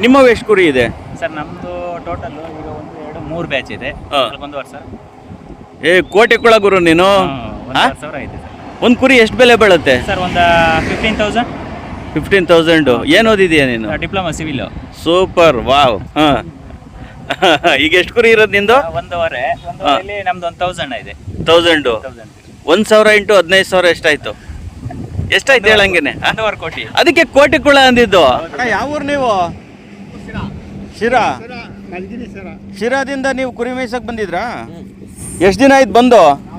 ನಿಮ್ಮವು ಎಷ್ಟು ಕುರಿ ಇದೆ ಸರ್ ನಮ್ಮದು ಟೋಟಲ್ ಈಗ 1 2 3 ಬ್ಯಾಚ್ ಇದೆ. ಒಂದು ವರ್ಷ ಕೋಟೆ ಕುಳ ಗುರು ನೀನು. 1,000 ಐತೆ ಸರ್. ಒಂದು ಕುರಿ ಎಷ್ಟು ಬೆಲೆ ಬೀಳುತ್ತೆ ಸರ್? ಒಂದು 15,000. 15,000. ಏನು ಓದಿದೀಯ ನೀನು? Diploma civil. Super, wow. ಈಗ ಎಷ್ಟು ಕುರಿ ಇರೋದು ನಿಂದು? ಒಂದೂವರೆಯಲ್ಲಿ ನಮ್ದು 1,000 ಇದೆ. 1000. 1,000 ಇಂಟು 15,000 ಎಷ್ಟಾಯ್ತು? ಎಷ್ಟಾಯ್ತು ಹೇಳಂಗೇನೆ? 1.5 ಕೋಟಿ. ಅದಕ್ಕೆ ಕೋಟೆ ಕುಳ ಅಂದಿದ್ದು. ಯಾವ ಊರು ನೀವು? ಶಿರಾ. ಶಿರಾದಿಂದ ನೀವು ಕುರಿ ಮೇಯ್ಸಕ್ ಬಂದಿದ್ರಾ? ಎಷ್ಟು ದಿನ ಆಯ್ತು ಬಂದು?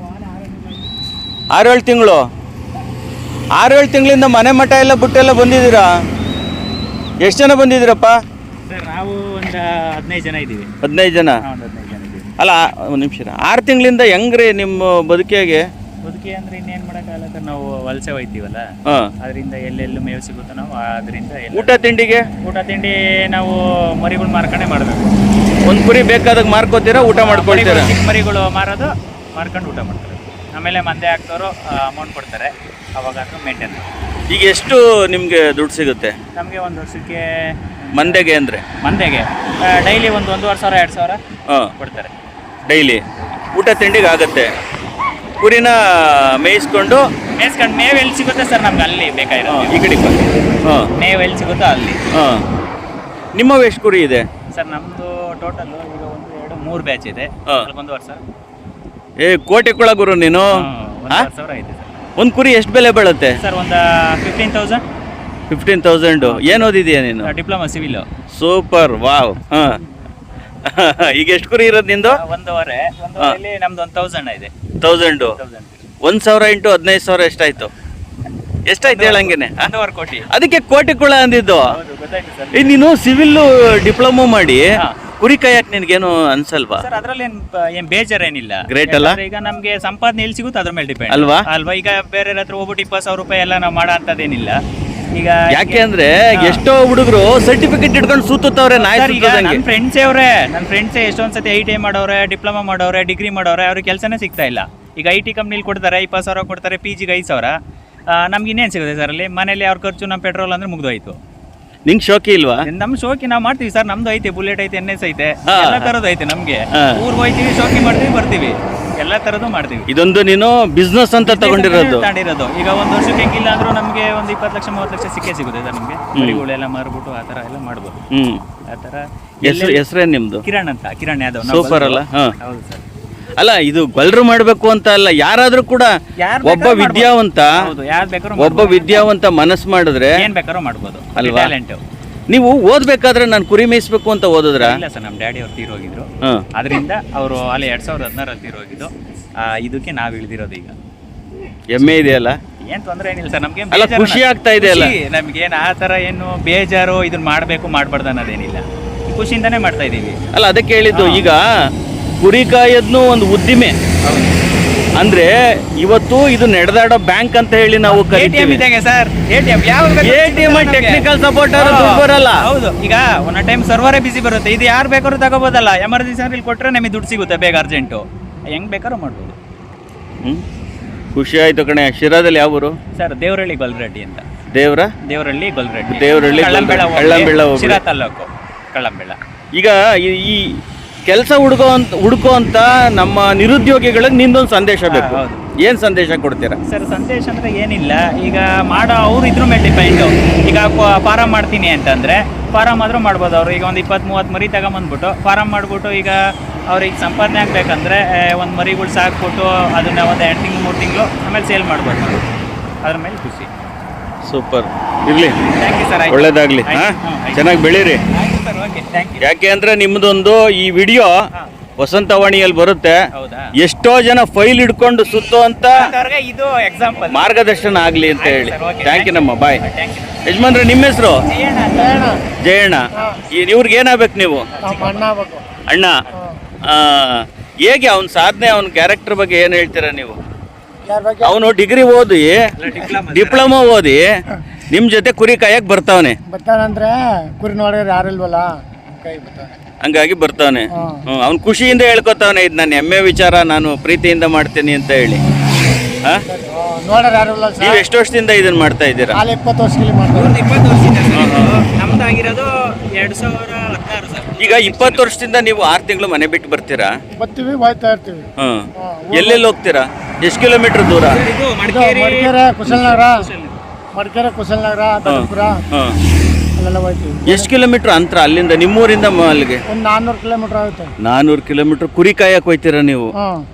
6-7 ತಿಂಗಳು. 6-7 ತಿಂಗಳಿಂದ ಮನೆ ಮಠ ಎಲ್ಲ ಬಿಟ್ಟೆಲ್ಲ ಬಂದಿದ್ದೀರಾ? ಎಷ್ಟು ಜನ ಬಂದಿದ್ದೀರಪ್ಪ? ಸರ್ ನಾವು ಒಂದು 15 ಜನ ಇದ್ದೀವಿ. 15 ಜನ? 15 ಜನ ಇದ್ದೀವಿ. ಅಲ್ಲ, ಒಂದು ನಿಮಿಷ. 6 ತಿಂಗಳಿಂದ ಹೆಂಗ್ರಿ ನಿಮ್ಮ ಬದುಕಿಗೆ? ಬದುಕಿ ಅಂದ್ರೆ ಇನ್ನೇನು ಮಾಡೋಕ್ಕಾಗಲ್ಲ ಸರ್. ನಾವು ವಲಸೆ ಹೋಯ್ತೀವಲ್ಲ, ಅದರಿಂದ ಎಲ್ಲೆಲ್ಲೂ ಮೇವು ಸಿಗುತ್ತೋ ನಾವು ಅದರಿಂದ. ಊಟ ತಿಂಡಿಗೆ? ಊಟ ತಿಂಡಿ ನಾವು ಮರಿಗಳು ಮಾರ್ಕೊಂಡೇ ಮಾಡಬೇಕು. ಒಂದು ಕುರಿ ಬೇಕಾದಾಗ ಮಾರ್ಕೋತೀರಾ, ಊಟ ಮಾಡ್ಕೊಳ್ತೀರಾ? ಚಿಕ್ಕ ಮರಿಗಳು ಮಾರೋದು, ಮಾರ್ಕೊಂಡು ಊಟ ಮಾಡ್ತಾರೆ. ಆಮೇಲೆ ಮಂದೆ ಹಾಕ್ತವರು ಅಮೌಂಟ್ ಕೊಡ್ತಾರೆ, ಅವಾಗ ಅದು ಮೇಂಟೈನ್. ಈಗ ಎಷ್ಟು ನಿಮಗೆ ದುಡ್ಡು ಸಿಗುತ್ತೆ ನಮಗೆ ಒಂದು ವರ್ಷಕ್ಕೆ? ಮಂದೆಗೆ ಅಂದರೆ? ಮಂದೆಗೆ ಡೈಲಿ 1,500 2,000 ಕೊಡ್ತಾರೆ ಡೈಲಿ. ಊಟ ತಿಂಡಿಗೆ ಆಗುತ್ತೆ. ಕುರಿನ ಮೇಯಿಸ್ಕೊಂಡು ಮೇವು ಎಲ್ಲಿ ಸಿಗುತ್ತೆ ಸರ್ ನಮ್ಗೆ ಅಲ್ಲಿ ಬೇಕಾಗಿರೋ ಈ ಕಡೆ. ಮೇವು ಎಲ್ಲಿ ಸಿಗುತ್ತೋ ಅಲ್ಲಿ. ನಿಮ್ಮವು ಎಷ್ಟು ಕುರಿ ಇದೆ ಸರ್? ನಮ್ಮದು ಟೋಟಲ್ ಈಗ 1 2 3 ಬ್ಯಾಚ್ ಇದೆ. ಒಂದು ವರ್ಷ ಕೋಟೆ ಕುಳ ಗುರು ನೀನು. 1,000 ಐತೆ ಸರ್. ಒಂದು ಕುರಿ ಎಷ್ಟು ಬೆಲೆ ಬೀಳುತ್ತೆ ಸರ್? ಒಂದು 15,000. 15,000. ಏನು ಓದಿದೀಯ ನೀನು? Diploma civil. Super, wow. ಈಗ ಎಷ್ಟು ಕುರಿ ಇರೋದು ನಿಂದು? ಒಂದೂವರೆಯಲ್ಲಿ ನಮ್ದು 1,000 ಇದೆ. 1000. 1,000 ಇಂಟು 15,000 ಎಷ್ಟಾಯ್ತು? ಎಷ್ಟಾಯ್ತು ಹೇಳಂಗೇನೆ? 1.5 ಕೋಟಿ. ಅದಕ್ಕೆ ಕೋಟೆ ಕುಳ ಅಂದಿದ್ದು. ಗೊತ್ತಾಯ್ತು ಸರ್. ನೀನು ಸಿವಿಲ್ ಡಿಪ್ಲೊಮಾ ಮಾಡಿ ಕುರಿ ಕಾಯಕ್ ನಿನ್ಗೇನು ಅನ್ಸಲ್ವಾ? ಸರ್ ಅದ್ರಲ್ಲಿ ಏನ್ ಬೇಜಾರೇನಿಲ್ಲ. ಗ್ರೇಟ್ ಅಲ್ಲ? ಈಗ ನಮ್ಗೆ ಸಂಪಾದನೆ ಎಲ್ಲಿ ಸಿಗುತ್ತೆ ಅದ್ರ ಮೇಲೆ ಡಿಪೆಂಡ್ ಅಲ್ವಾ? ಈಗ ಬೇರೆ ಹತ್ರ ಹೋಗ್ಬಿಟ್ಟು 20,000 ರೂಪಾಯಿ ಎಲ್ಲ ನಾವು ಮಾಡೋ ಅಂತದೇನಿಲ್ಲ. ಈಗ ಯಾಕೆ ಅಂದ್ರೆ ಎಷ್ಟೋ ಹುಡುಗರು ಸರ್ಟಿಫಿಕೇಟ್ ಇಟ್ಕೊಂಡು ಸೂತವ್ರೆ. ನನ್ನ ಫ್ರೆಂಡ್ಸೇ ಎಷ್ಟೊಂದ್ಸತಿ ITI ಮಾಡೋರೆ, ಡಿಪ್ಲೊಮಾ ಮಾಡೋರೆ, ಡಿಗ್ರಿ ಮಾಡೋರೆ, ಅವ್ರಿಗೆ ಕೆಲಸನೇ ಸಿಗ್ತಾ ಇಲ್ಲ. ಈಗ IT ಕಂಪ್ನಿಲಿ ಕೊಡ್ತಾರೆ 20,000 ಕೊಡ್ತಾರೆ, PGಗೆ 5,000. ನಮ್ಗೆ ಇನ್ನೇನು ಸಿಗುತ್ತೆ ಸರ್ ಅಲ್ಲಿ? ಮನೇಲಿ ಅವ್ರ ಖರ್ಚು, ನಮ್ಮ ಪೆಟ್ರೋಲ್ ಅಂದ್ರೆ ಮುಗ್ದೋಯ್ತು. ನಿಂಗೆ ಶೋಕಿ ಇಲ್ವಾ? ನಮ್ ಶೋಕಿ ನಾವು ಮಾಡ್ತೀವಿ ಸರ್. ನಮ್ದು ಐತೆ, ಬುಲೆಟ್ ಐತೆ, NS ಐತೆ, ಎಲ್ಲ ತರದ್ದು ಐತೆ ನಮ್ಗೆ. ಊರ್ಗೆ ಹೋಯ್ತೀವಿ, ಶೋಕಿ ಮಾಡ್ತೀವಿ, ಬರ್ತೀವಿ, ಎಲ್ಲ ತರದ್ದು ಮಾಡ್ತೀವಿ. ಇದೊಂದು ನೀನು ಬಿಸ್ನೆಸ್ ಅಂತ ತಗೊಂಡಿರೋದು? ಈಗ ಒಂದು ವರ್ಷಕ್ಕೆ ಹೆಂಗಿಲ್ಲ ಅಂದ್ರೂ ನಮ್ಗೆ ಒಂದು 20 ಲಕ್ಷ 30 ಲಕ್ಷ ಸಿಕ್ಕೇ ಸಿಗುತ್ತೆ ಸರ್ ನಮ್ಗೆ. ಮರಿಗಳೆಲ್ಲ ಮಾರ್ಬಿಟ್ಟು ಆ ತರ ಎಲ್ಲ ಮಾಡ್ಬೋದು. ಆ ತರ. ಹೆಸರೇನು ನಿಮ್ದು? ಕಿರಣ್ ಅಂತ. ಕಿರಣ್ ಯಾದವ್. ಸೂಪರ್ ಅಲ್ಲ? ಹೌದು ಸರ್. ಅಲ್ಲ, ಇದು ಗೊಲ್ರು ಮಾಡ್ಬೇಕು ಅಂತ ಅಲ್ಲ, ಯಾರಾದ್ರೂ ಕೂಡ ಒಬ್ಬ ವಿದ್ಯಾವಂತ ಮನಸ್ಸು ಮಾಡಿದ್ರೆ ಏನ್ ಬೇಕಾದ್ರೂ ಮಾಡ್ಬೋದು ಅಲ್ವಾ? ಟ್ಯಾಲೆಂಟ್. ನೀವು ಓದ್ಬೇಕಾದ್ರೆ ನಾನು ಕುರಿ ಮೇಯಿಸ್ಬೇಕು ಅಂತ ಓದಿದ್ರ? ಇಲ್ಲ ಸರ್, ನಮ್ಮ ಡ್ಯಾಡಿ ಅವ್ರು ತೀರೋಗಿದ್ರು. ಅದರಿಂದ ಅವರು ಅಲ್ಲಿ 2016 ತೀರೋಗಿದ್ದು. ಇದಕ್ಕೆ ನಾವ್ ಇಳಿದಿರೋದು. ಈಗ ಹೆಮ್ಮೆ ಇದೆಯಲ್ಲ? ಏನ್ ತೊಂದ್ರೆ ಏನಿಲ್ಲ ಸರ್ ನಮ್ಗೆ. ಖುಷಿ ಆಗ್ತಾ ಇದೆ ಅಲ್ಲ? ನಮ್ಗೇನು ಆ ತರ ಏನು ಬೇಜಾರು ಇದನ್ನ ಮಾಡ್ಬೇಕು ಮಾಡ್ಬಾರ್ದು ಅನ್ನೋದೇನಿಲ್ಲ. ಖುಷಿಯಿಂದಾನೇ ಮಾಡ್ತಾ ಇದೀವಿ. ಅಲ್ಲ, ಅದಕ್ಕೆ ಹೇಳಿದ್ದು. ಈಗ ಕುರಿ ಕಾಯೋದ್ನು ಒಂದು ಉದ್ದಿಮೆ ಅಂದ್ರೆ ಇವತ್ತು ಇದು ನಡೆದಾಡೋ ಬ್ಯಾಂಕ್ ಅಂತ ಹೇಳಿ ನಾವು ಕರಿತೀವಿ ಸರ್. ATM ಟೆಕ್ನಿಕಲ್ ಸಪೋರ್ಟ್ ಬರಲ್ಲ. ಹೌದು. ಈಗ ಒಂದ್ ಟೈಮ್ ಸರ್ವರೇ ಬಿಸಿ ಬರುತ್ತೆ. ಇದು ಯಾರು ಬೇಕಾದ್ರೂ ತಗೋಬೋದಲ್ಲ. ಎಮರ್ಜೆನ್ಸಿ ಅಂದ್ರೆ ಇಲ್ಲಿ ಕೊಟ್ರೆ ನಮಗೆ ದುಡ್ಡು ಸಿಗುತ್ತೆ ಬೇಗ, ಅರ್ಜೆಂಟು, ಹೆಂಗ್ ಬೇಕಾದ್ರೂ ಮಾಡ್ಬೋದು. ಖುಷಿ ಆಯ್ತು ಕಣೆ. ಶಿರಾದಲ್ಲಿ ಯಾವ ಊರು ಸರ್? ದೇವರಹಳ್ಳಿ ಗೊಲ್ರೆಡ್ಡಿ ಅಂತ. ದೇವರಹಳ್ಳಿ ಗೊಲ್ರೆಡ್ಡಿ. ಕಳ್ಳಂಬೆಳ, ಶಿರಾ ತಾಲೂಕು, ಕಳ್ಳಂಬೆಳ. ಈಗ ಈ ಕೆಲಸ ಹುಡುಕೋ ಅಂತ ನಮ್ಮ ನಿರುದ್ಯೋಗಿಗಳಿಗೆ ನಿಂದೊಂದು ಸಂದೇಶ ಬೇಕು. ಏನ್ ಸಂದೇಶ ಕೊಡ್ತೀರಾ ಸರ್? ಸಂದೇಶ ಅಂದ್ರೆ ಏನಿಲ್ಲ, ಈಗ ಮಾಡೋ ಅವ್ರು ಇದ್ರ ಮೇಲೆ ಡಿಪೆಂಡು. ಈಗ ಫಾರಂ ಮಾಡ್ತೀನಿ ಅಂತಂದ್ರೆ ಫಾರಂ ಆದ್ರೂ ಮಾಡ್ಬೋದು. ಅವ್ರು ಈಗ ಒಂದು 20-30 ಮರಿ ತಗೊಂಬಂದ್ಬಿಟ್ಟು ಫಾರಂ ಮಾಡ್ಬಿಟ್ಟು, ಈಗ ಅವ್ರಿಗೆ ಸಂಪಾದನೆ ಆಗ್ಬೇಕಂದ್ರೆ ಒಂದು ಮರಿಗಳು ಸಾಕ್ಬಿಟ್ಟು ಅದನ್ನ ಒಂದು 2 ತಿಂಗಳು 3 ತಿಂಗಳು ಆಮೇಲೆ ಸೇಲ್ ಮಾಡ್ಬೋದು. ಅದ್ರ ಮೇಲೆ ಖುಷಿ. ಸೂಪರ್ ಇರ್ಲಿ. Thank you sir. ಒಳ್ಳೇದಾಗ್ಲಿ. ಚೆನ್ನಾಗಿ ಬೆಳೀರಿ. ಯಾಕೆ ಅಂದ್ರೆ ನಿಮ್ದೊಂದು ಈ ವಿಡಿಯೋ ವಸಂತವಾಣಿಯಲ್ಲಿ ಬರುತ್ತೆ. ಎಷ್ಟೋ ಜನ ಫೈಲ್ ಹಿಡ್ಕೊಂಡು ಸುತ್ತೋ ಅಂತ ಇದು ಎಕ್ಸಾಂಪಲ್ ಮಾರ್ಗದರ್ಶನ ಆಗ್ಲಿ ಅಂತ ಹೇಳಿ. ಥ್ಯಾಂಕ್ ಯು ನಮ್ಮ. ಬಾಯ್. ಯಜಮಾನ್ರೆ, ನಿಮ್ಮ ಹೆಸರು? ಜಯಣ್ಣ. ಇವ್ರಿಗೆ ಏನಾಗ್ಬೇಕು ನೀವು? ಅಣ್ಣ. ಹೇಗೆ ಅವನ ಸಾಧನೆ, ಅವನ ಕ್ಯಾರೆಕ್ಟರ್ ಬಗ್ಗೆ ಏನ್ ಹೇಳ್ತೀರಾ ನೀವು? ಅವನು ಡಿಗ್ರಿ ಓದಿ, ಡಿಪ್ಲೊಮಾ ಓದಿ ನಿಮ್ ಜೊತೆ ಕುರಿ ಕಾಯಕ್ ಬರ್ತಾವನೆ. ಬರ್ತಾನಂದ್ರೆ ಕುರಿ ನೋಡಿದ್ರೆ ಯಾರಿಲ್ವಲ್ಲ, ಹಂಗಾಗಿ ಬರ್ತಾವನೆ. ಅವ್ನು ಖುಷಿಯಿಂದ ಹೇಳ್ಕೊತಾವನೆ, ಇದು ನನ್ನ ಹೆಮ್ಮೆ ವಿಚಾರ, ನಾನು ಪ್ರೀತಿಯಿಂದ ಮಾಡ್ತೀನಿ ಅಂತ ಹೇಳಿ. ನೀವು ಎಷ್ಟು ವರ್ಷದಿಂದ ಇದನ್ನ ಮಾಡ್ತಾ ಇದ್ದೀರಾ? 20 ವರ್ಷದಲ್ಲಿ. 20 ವರ್ಷದಿಂದ. ನಮ್ದಾಗಿರೋದು 2016 ಸರ್. ಈಗ 20 ವರ್ಷದಿಂದ ನೀವು 6 ತಿಂಗಳು ಮನೆ ಬಿಟ್ಟು ಬರ್ತೀರಾ? ಬರ್ತೀವಿ ಹೋಯ್ತಾ ಇರ್ತೀವಿ. ಹ್ಮ್. ಎಲ್ಲೆಲ್ಲಿ ಹೋಗ್ತೀರಾ? ಎಷ್ಟು ಕಿಲೋಮೀಟರ್ ದೂರ? ಇದು ಇದು ಮಡಿಕೇರಿ ಮಡಿಕೇರಿ ಕುಶಲನಗರ ದೊಡ್ಡಪುರ ಹ್ಮ್. ಅಲ್ಲೆಲ್ಲ ಹೋಯ್ತೀವಿ. ಎಷ್ಟು ಕಿಲೋಮೀಟರ್ ಅಂತರ ಅಲ್ಲಿಂದ ನಿಮ್ಮೂರಿಂದ ಅಲ್ಲಿಗೆ? ಒಂದು 400 ಕಿಲೋಮೀಟರ್ ಆಗುತ್ತೆ. 400 ಕಿಲೋಮೀಟರ್ ಕುರಿ ಕಾಯಕ್ ಹೋಯ್ತೀರಾ ನೀವು?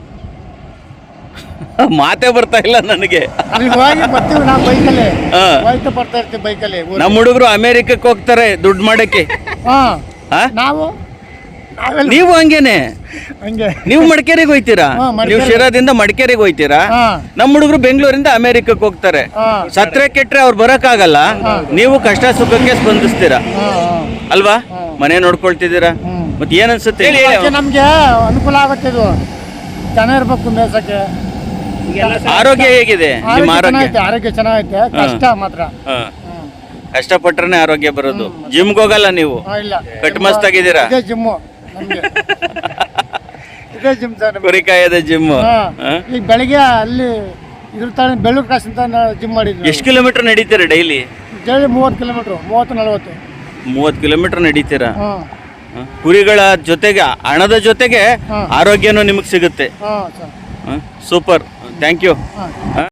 ಮಾತೇ ಬರ್ತಾ ಇಲ್ಲ ನನಗೆ. ಅಲ್ಲಿ ಹೋಗಿ ಬರ್ತೀವಿ ನಾವು ಬೈಕಲ್ಲಿ. ಹಾ. ಹೋಯ್ತಾ ಬರ್ತಾ ಇರ್ತೀವಿ ಬೈಕಲ್ಲಿ. ನಮ್ಮ ಹುಡುಗರು ಅಮೆರಿಕಕ್ಕೆ ಹೋಗ್ತಾರೆ ದುಡ್ಡು ಮಾಡಕ್ಕೆ. ಹಾ ಹಾ? ನಾವೆಲ್ಲ ನೀವು ಹಂಗೇನೆ? ಹಂಗೆ. ನೀವು ಮಡಿಕೇರಿಗೆ ಹೋಯ್ತೀರಾ? ಹಾ, ಮಡಿಕೇರಿ. ನೀವು ಶಿರಾದಿಂದ ಮಡಿಕೇರಿಗೆ ಹೋಯ್ತೀರಾ? ಹಾ. ನಮ್ಮ ಹುಡುಗರು ಬೆಂಗಳೂರಿಂದ ಅಮೆರಿಕಕ್ಕೆ ಹೋಗ್ತಾರೆ. ಹಾ. ಸತ್ರೆ ಕೆಟ್ರೆ ಅವ್ರು ಬರಕ್ಕಾಗಲ್ಲ. ನೀವು ಕಷ್ಟ ಸುಖಕ್ಕೆ ಸ್ಪಂದಿಸ್ತೀರಾ ಹಾ, ಅಲ್ವಾ? ಮನೆ ನೋಡ್ಕೊಳ್ತಿದ್ದೀರಾ. ಮತ್ತೆ ಏನ್ ಅನ್ಸುತ್ತೆ ಹೇಳಿ? ಅದಕ್ಕೆ ನಮ್ಗೆ ಅನುಕೂಲ ಆಗುತ್ತೆ. ಇದು ಜನ ಇರ್ಬೇಕು ಮೇಸಕ್ಕೆ. ಆರೋಗ್ಯ ಹೇಗಿದೆ ನಿಮ್ಮ ಆರೋಗ್ಯ? ಆರೋಗ್ಯ ಚೆನ್ನಾಗೈತೆ. ಕಷ್ಟ ಮಾತ್ರ. ಹಾ. ಕಷ್ಟಪಟ್ರೆ ಆರೋಗ್ಯ ಬರೋದು. ಜಿಮ್ಗೆ ಹೋಗಲ್ಲ ನೀವು? ಇಲ್ಲ. ಕಟ್ ಮಸ್ತಾಗಿದ್ದೀರಾ? ಇದೇ ಜಿಮ್ಮು ನಮ್ಗೆ. ಇದೇ ಜಿಮ್ ಸರ್ ನಮ್ಗೆ. ಕುರಿ ಕಾಯದ ಜಿಮ್. ಹಾ. ಈಗ ಬೆಳಿಗ್ಗೆ ಅಲ್ಲಿ ಇದ್ರ ತರ ಬೆಳ್ಳೂರು ಕ್ರಾಸ್ ಅಂತ ಜಿಮ್ ಮಾಡಿದ್ವಿ. ಎಷ್ಟು ಕಿಲೋಮೀಟರ್ ನಡೀತೀರಾ ಡೈಲಿ? Daily 30 kilometre, 30-40. 30 ಕಿಲೋಮೀಟರ್ ನಡೀತೀರಾ? ಹಾಂ ಕುರಿಗಳ ಜೊತೆಗೆ ಹಣದ ಜೊತೆಗೆ ಹಾ. ಆರೋಗ್ಯನೂ ನಿಮಗೆ ಸಿಗುತ್ತೆ. ಹಾಂ ಸರ್. Super, thank you. ಹಾಂ.